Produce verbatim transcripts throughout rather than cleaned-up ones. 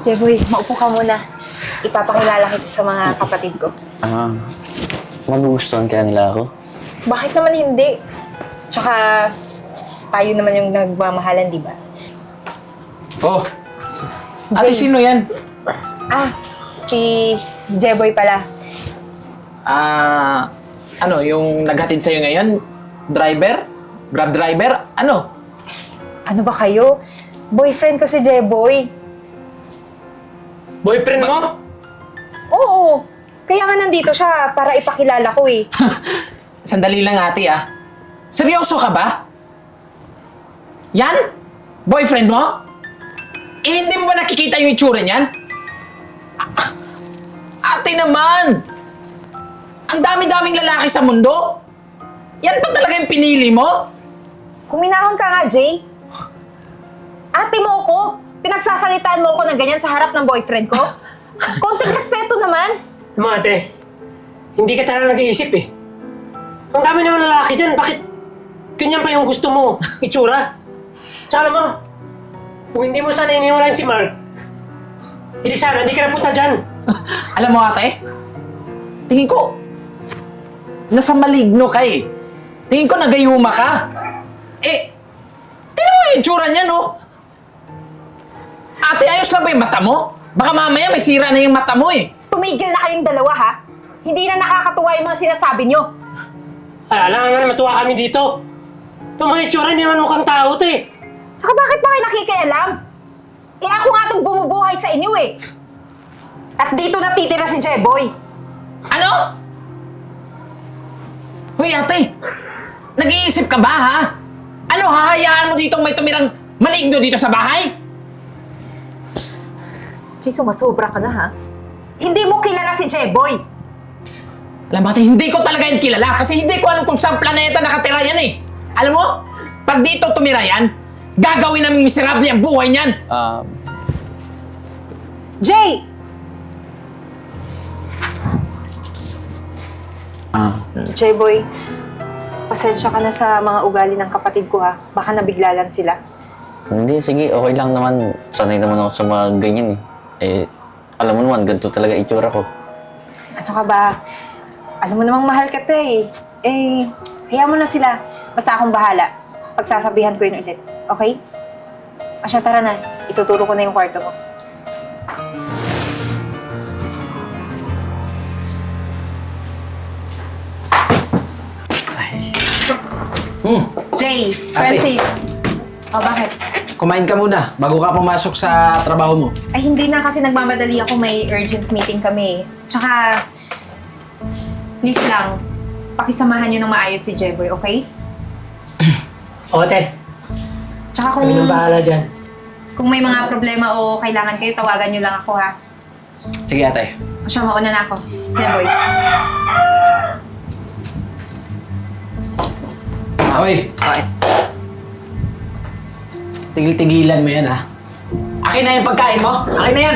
Jeboy, maupo ka muna. Ipapakilala kita sa mga kapatid ko. Ah, magugustuhan kaya nila ako? Bakit naman hindi? Tsaka, tayo naman yung nagmamahalan, di ba? Oh, ate, sino yan? Ah, si Jeboy pala. Ah, ano, yung naghatid sa'yo ngayon? Driver? Grab driver? Ano? Ano ba kayo? Boyfriend ko si Jeboy. Boyfriend mo? Oo. Kaya nga nandito siya para ipakilala ko eh. Sandali lang ate ah. Seryoso ka ba? Yan? Boyfriend mo? Eh, hindi mo ba nakikita yung itsura niyan? Ah, ate naman! Ang dami-daming lalaki sa mundo! Yan pa talaga yung pinili mo? Kuminahon ka nga, Jay. Ate mo ako. Pinagsasalitaan mo ako ng ganyan sa harap ng boyfriend ko. Konting respeto naman. Mga ate, hindi ka talaga nag-iisip eh. Ang dami naman lalaki dyan, bakit ganyan pa yung gusto mo, itsura? Tsaka alam mo, kung hindi mo sana iniwalan si Mark, hindi sana, hindi ka napunta dyan. Alam mo ate, tingin ko, nasa maligno ka eh. Tingin ko nagayuma ka. Eh, tingnan mo yung itsura niya no? Ate, ayos lang ba yung mata mo? Baka mamaya may sira na yung mata mo eh. Tumigil na kayong dalawa, ha? Hindi na nakakatuwa yung mga sinasabi nyo. Ay, alam nga matuwa kami dito. Itong mga itsura, hindi naman mukhang tao to eh. Tsaka bakit ba kayo nakikialam? Eh ako nga itong bumubuhay sa inyo eh. At dito natitira si Jeboy. Ano? Hoy ate, nag-iisip ka ba ha? Ano, hahayaan mo ditong may tumirang maligno dito sa bahay? Jay, sumasobra ka na, ha? Hindi mo kilala si Jeboy. Alam mo ate, hindi ko talaga yan kilala kasi hindi ko alam kung saan planeta nakatira yan eh. Alam mo, pag dito tumira yan, gagawin namin miserable ang buhay niyan. Ah, Jay! ah, Jeboy, pasensya ka na sa mga ugali ng kapatid ko, ha? Baka nabigla lang sila. hindi, sige, okay lang naman. Sanay naman ako sa mga ganyan eh. Eh, alam mo naman, ganito talaga itsura ko. Ano ka ba? Alam mo namang mahal ka to eh. Eh, hayaan mo na sila. Basta akong bahala. Pagsasabihan ko yun ulit. Okay? Asya, tara na. Ituturo ko na yung kwarto mo. Hmm, Jay, Ate. Francis. O, bakit? kumain ka muna bago ka pumasok sa trabaho mo. Ay, hindi na kasi nagmamadali ako. May urgent meeting kami. Tsaka, please lang, pakisamahan nyo ng maayos si Jeboy, okay? O ate, Tsaka kung, kami nang bahala dyan. kung may mga problema o kailangan kayo, tawagan nyo lang ako, ha? Sige ate. O siya, mauna na ako. Jeboy. Hoy, okay. Tigil-tigilan mo yan ha. Akin na yung pagkain mo. Akin na yan.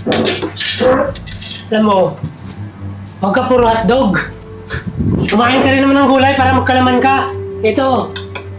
Alam mo, huwag ka puro hotdog. Kumain ka rin naman ng gulay para magkalaman ka. Ito.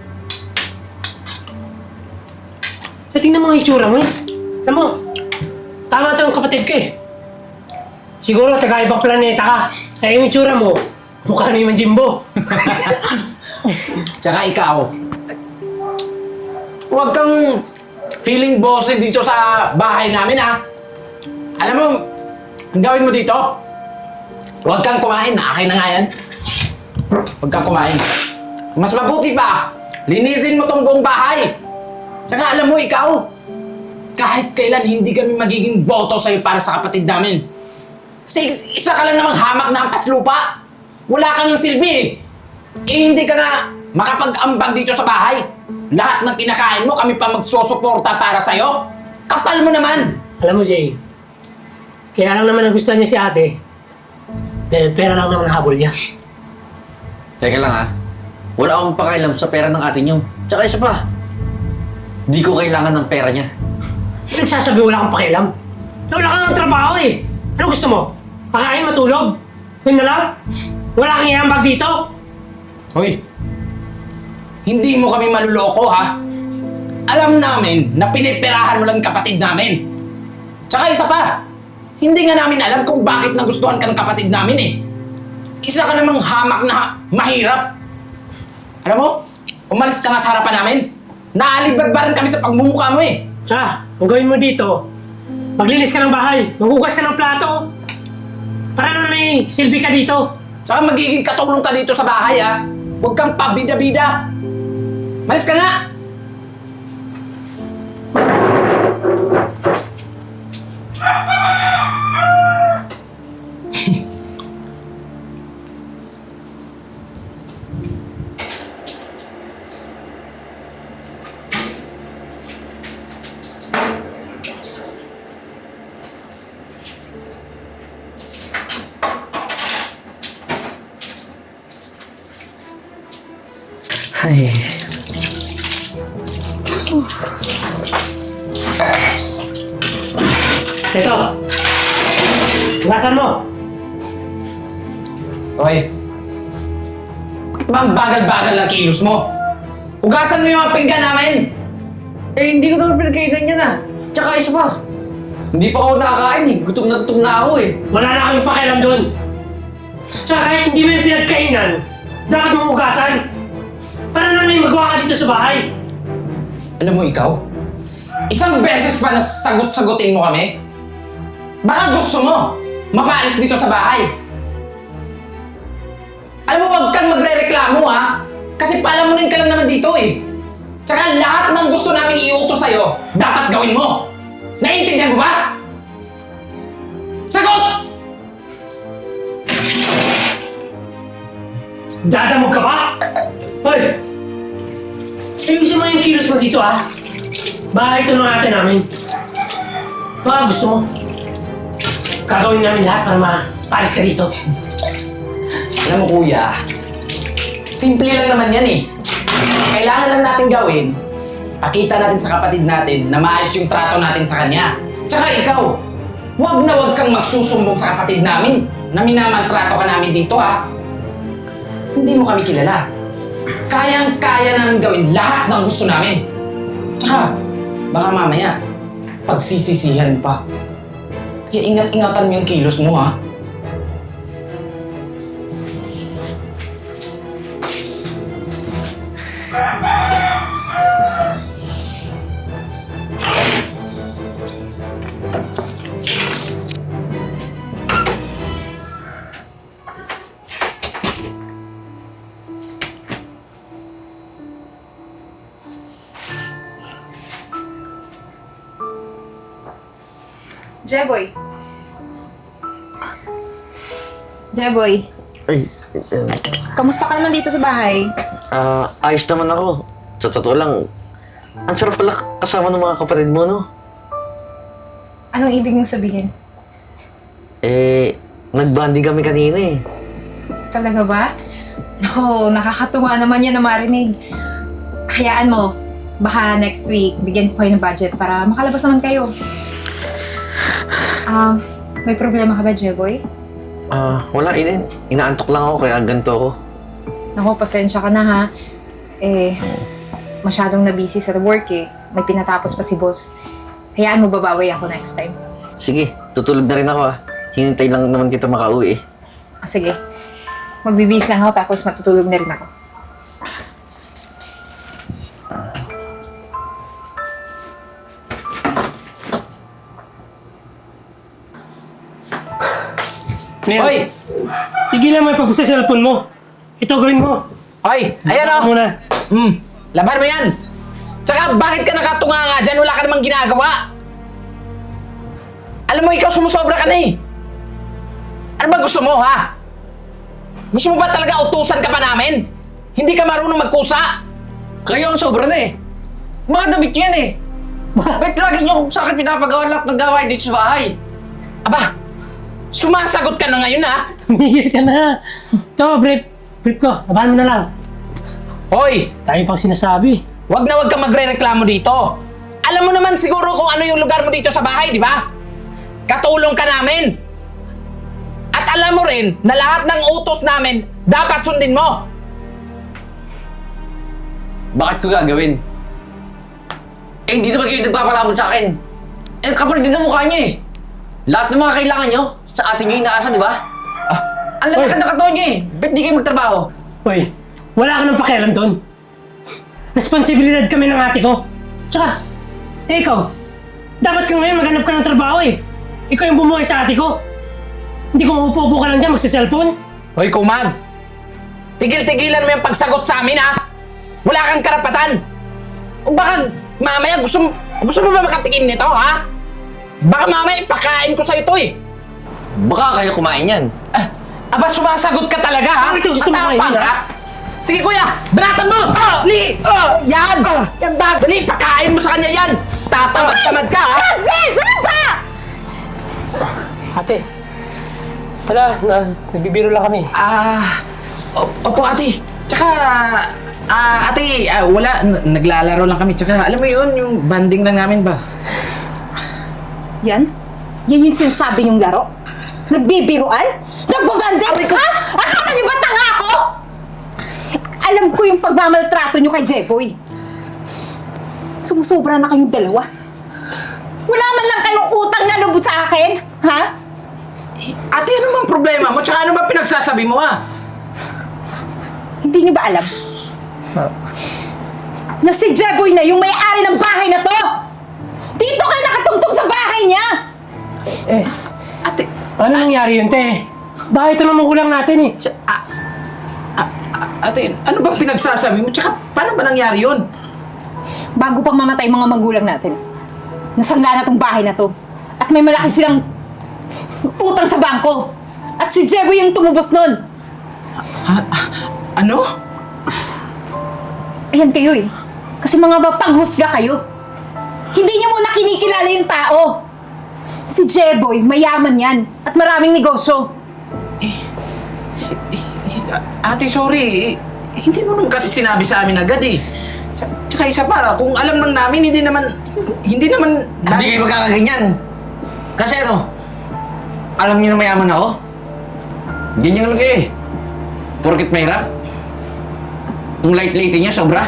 Eh, tingnan mo ang itsura mo eh. Alam mo, tama ito ang kapatid ko eh. Siguro taga-ibang planeta ka. Kaya yung itsura mo, mukha na yung Jimbo. Tsaka ikaw, huwag kang feeling bossy dito sa bahay namin ha. Alam mo, ang gawin mo dito, huwag kang kumain. Akin na nga yan. Huwag kang kumain. Mas mabuti pa, linisin mo tong buong bahay. Tsaka alam mo ikaw, kahit kailan hindi kami magiging boto sa'yo para sa kapatid namin. Kasi isa ka lang namang hamak na hampas lupa. Wala kang silbi eh. Eh hindi ka nga makapag-ambag dito sa bahay. Lahat ng kinakain mo, kami pa magsusuporta para sa'yo. Kapal mo naman. Alam mo, Jay, kaya lang naman nagustuhan niya si ate. Dahil pera lang naman ang habol niya. teka lang ha. Wala akong pakailam sa pera ng ate niyo. Tsaka isa pa, di ko kailangan ng pera niya. Nagsasabi wala kang pakialam. Wala kang trabaho eh. Ano gusto mo? Pakain, matulog? Yun na lang? Wala kang iambag dito? Hoy, hindi mo kami maluloko ha. Alam namin na piniperahan mo lang kapatid namin. Tsaka isa pa, hindi nga namin alam kung bakit nagustuhan ka ng kapatid namin eh. Isa ka namang hamak na mahirap. Alam mo, umalis ka nga sa harapan namin. Naalibadbaran kami sa pagmumukha mo eh. Tsaka, ang gawin mo dito, maglinis ka ng bahay, maghugas ka ng plato. Para naman may silbi ka dito. Tsaka magiging katulong ka dito sa bahay ah. Huwag kang pabida-bida. Malis ka nga! Ay. Ito. Hugasan mo. Okay. Bakit ba ang bagal-bagal ng kilos mo? Hugasan mo yung mga pinggan namin! Eh, hindi ko naman pinagkainan yan ah. Tsaka isa pa. Hindi pa ako nakakain eh. Gutom na gutom na ako eh. Wala na kami pakialam doon. Tsaka kahit hindi mo yung pinagkainan, dapat mo hugasan. Para naman may magawa ka dito sa bahay. Alam mo ikaw, isang beses pa na sagot-sagutin mo kami? Baka gusto mo mapaalis dito sa bahay. Alam mo, huwag kang magre-reklamo ha. Kasi palamunin ka lang naman dito eh. Tsaka lahat ng gusto namin iutos sa'yo, dapat gawin mo. Naiintindihan mo ba? Sagot! Dadamog ka pa? Hoy! Ayusin mo yung kilos mo dito ah. Bahay ito ng ate namin. Baka gusto mo. Gagawin namin lahat para mapalis ka dito. Alam mo kuya, simple lang naman yan eh. Kailangan lang natin gawin, pakita natin sa kapatid natin na maayos yung trato natin sa kanya. Tsaka ikaw, huwag na huwag kang magsusumbong sa kapatid namin na minamaltrato ka namin dito ha. Hindi mo kami kilala. Kayang-kaya namin gawin lahat ng gusto namin. Tsaka, baka mamaya, pagsisisihan pa. Kaya ingat-ingatan mo yung kilos mo ha. Jeboy. Jeboy, Ay, uh, kamusta ka naman dito sa bahay? ah, ayos naman ako. Sa totoo lang, ang sarap pala kasama ng mga kapatid mo, no? Anong ibig mong sabihin? Eh, nagbanding kami kanina eh. Talaga ba? No, nakakatuwa naman yan na marinig. Hayaan mo, baka next week bigyan ko kayo ng budget para makalabas naman kayo. Um, may problema ka ba, Jeboy? Ah, wala, Inen. Inaantok lang ako kaya ganito ako. Naku, pasensya ka na ha. Eh, masyadong na-busy sa work eh. May pinatapos pa si boss. Hayaan mo, babawi ako next time. Sige, tutulog na rin ako ah. Hinintay lang naman kita makauwi eh. Ah, sige. Magbibis lang ako tapos matutulog na rin ako. Ngayon, Hoy! tigilan mo yung pag sa cellphone mo. Ito gawin mo. Hoy! Ayan Baka o! muna. Hmm, laban mo yan! Tsaka bakit ka nakatunga nga dyan? Wala ka namang ginagawa! Alam mo, ikaw sumusobra ka na eh! Ano ba gusto mo, ha? Gusto mo ba talaga utusan ka pa namin? Hindi ka marunong magkusa? Kayo ang sobra na eh. Mga damit nyo yan eh. Ba't lagi nyo sa akin pinapagawa lahat ng gawain dito sa bahay? Aba, sumasagot ka na ngayon, ha? Tumigil ka na. Ito, brief. Brief ko. Labahan mo na lang. Hoy! Tayo pang sinasabi. Huwag na huwag kang magre-reklamo dito. Alam mo naman siguro kung ano yung lugar mo dito sa bahay, di ba? Katulong ka namin. At alam mo rin na lahat ng utos namin dapat sundin mo. Bakit ko gagawin? Eh, hindi naman kayo nagpapalamon sa akin. Eh, kapal din ang mukha niyo eh. Lahat ng mga kailangan niyo, sa atin niyo inaasa, di ba? Ah, ang lalakad na katawan niyo eh. Ba't di kayo magtrabaho? Hoy, wala ka nang pakialam doon. Responsibilidad kami ng ate ko. Tsaka, eh ikaw, dapat ka ngayon maghanap ka ng trabaho eh. Ikaw yung bumuhay sa ate ko. Hindi ko maupo-upo ka lang dyan magsa-cellphone. Hoy, Kumag! Tigil-tigilan mo yung pagsagot sa amin, ha? Wala kang karapatan! O baka mamaya gusto, mo- gusto mo ba makatikim nito, ha? Baka mamaya ipakain ko sa'yo to, eh! Baka kayo kumain yan. Ah, aba, sumasagot ka talaga, ha? Bakit gusto mo Matapang kainin, ka? ha? Sige, kuya! Banatan mo! Oh, li! Oh, yan! Yan ba? Dali, pakain mo sa kanya yan! Tatamad-tamad ka, ha? Francis! Ano ba? Ate, wala, na, nagbibiro lang kami. Ah, op- opo ate. Tsaka, ah, ate, ah, wala, n- naglalaro lang kami. Tsaka, alam mo yun, yung banding lang namin ba? Yan? Yan yung sinasabi niyong laro? Nagbibiruan? Nagbabanding? Ha? Akala niyo ba tanga ako? Alam ko yung pagmamaltrato niyo kay Jeboy. Sumusobra na kayong dalawa. Wala man lang kayong utang na lubot sa akin, ha? Eh, ate, ano bang problema mo? Tsaka ano ba pinagsasabi mo, ah? Hindi niyo ba alam? Na si Jeboy na yung may-ari ng bahay na to! Dito kayo nakatungtong sa bahay niya! Eh, Ate, paano nangyari yun, te? Bakit ito naman kulang natin eh? tsa, ah, ah, ah, ate, ano bang pinagsasabi mo? Tsaka, paano ba nangyari yun? Bago pang mamatay mga magulang natin, nasangla na tong bahay na to. At may malaki silang utang sa bangko. At si Jeboy yung tumubos nun. Ha? Ah, ano? Ayan kayo eh. Kasi mga mapanghusga kayo. Hindi niyo muna kinikilala yung tao. Si Jeboy, mayaman yan. At maraming negosyo. Eh, ate, sorry. Eh, hindi mo naman kasi sinabi sa amin agad, eh. Tsa- Tsaka isa pa, kung alam lang namin, hindi naman, hindi naman... Hindi kayo magkakaganyan. Kasi ano, alam niyo na mayaman ako? Ganyan naman kayo eh. Porkit mahirap. Kung light-lighty niya, sobra.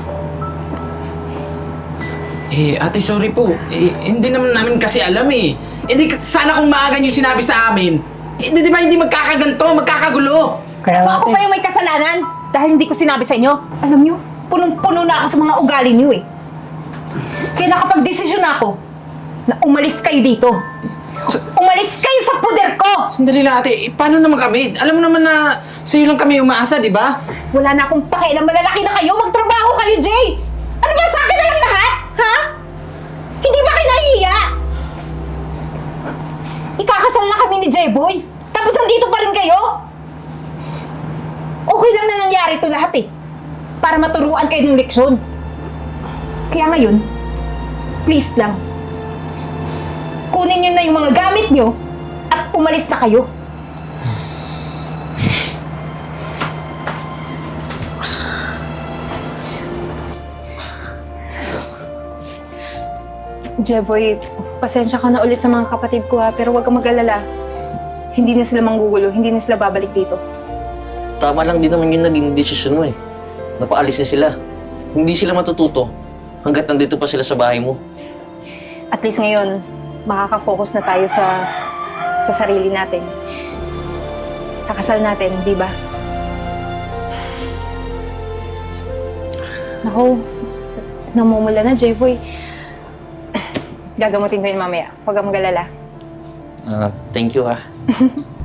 Eh, ate, sorry po. Eh, hindi naman namin kasi alam eh. Eh, di, sana kung maaga niyo sinabi sa amin. Eh, di, di ba hindi magkakaganto, magkakagulo? Kaya So ako ate, pa yung may kasalanan dahil hindi ko sinabi sa inyo. Alam niyo, punong-puno na ako sa mga ugali niyo eh. Kaya nakapag-desisyon ako na umalis kayo dito. Umalis kayo sa puder ko! Sandali lang, ate. Eh, paano naman kami? Alam mo naman na sa'yo lang kami umaasa, di ba? Wala na akong pakialam, malalaki na kayo, magtrabaho kayo, Jay! Ano ba, sa akin na lang lahat? Ha? Hindi ba kayo nahihiya? Ikakasal na kami ni Jeboy, tapos nandito pa rin kayo? Okay lang na nangyari ito lahat eh, para maturuan kayo ng leksyon. Kaya ngayon, please lang, kunin nyo na yung mga gamit nyo at umalis na kayo. Jeboy, pasensya ka na ulit sa mga kapatid ko ha, pero huwag kang mag-alala. Hindi na sila manggugulo, hindi na sila babalik dito. Tama lang din naman yung naging desisyon mo eh. Napaalis na sila. Hindi sila matututo hanggat nandito pa sila sa bahay mo. At least ngayon, makaka-focus na tayo sa sa sarili natin. Sa kasal natin, di ba? Naku, namumula na, Jeboy. Gagamutin ko yun mamaya. Huwag kang mag-alala. Ah, thank you ah.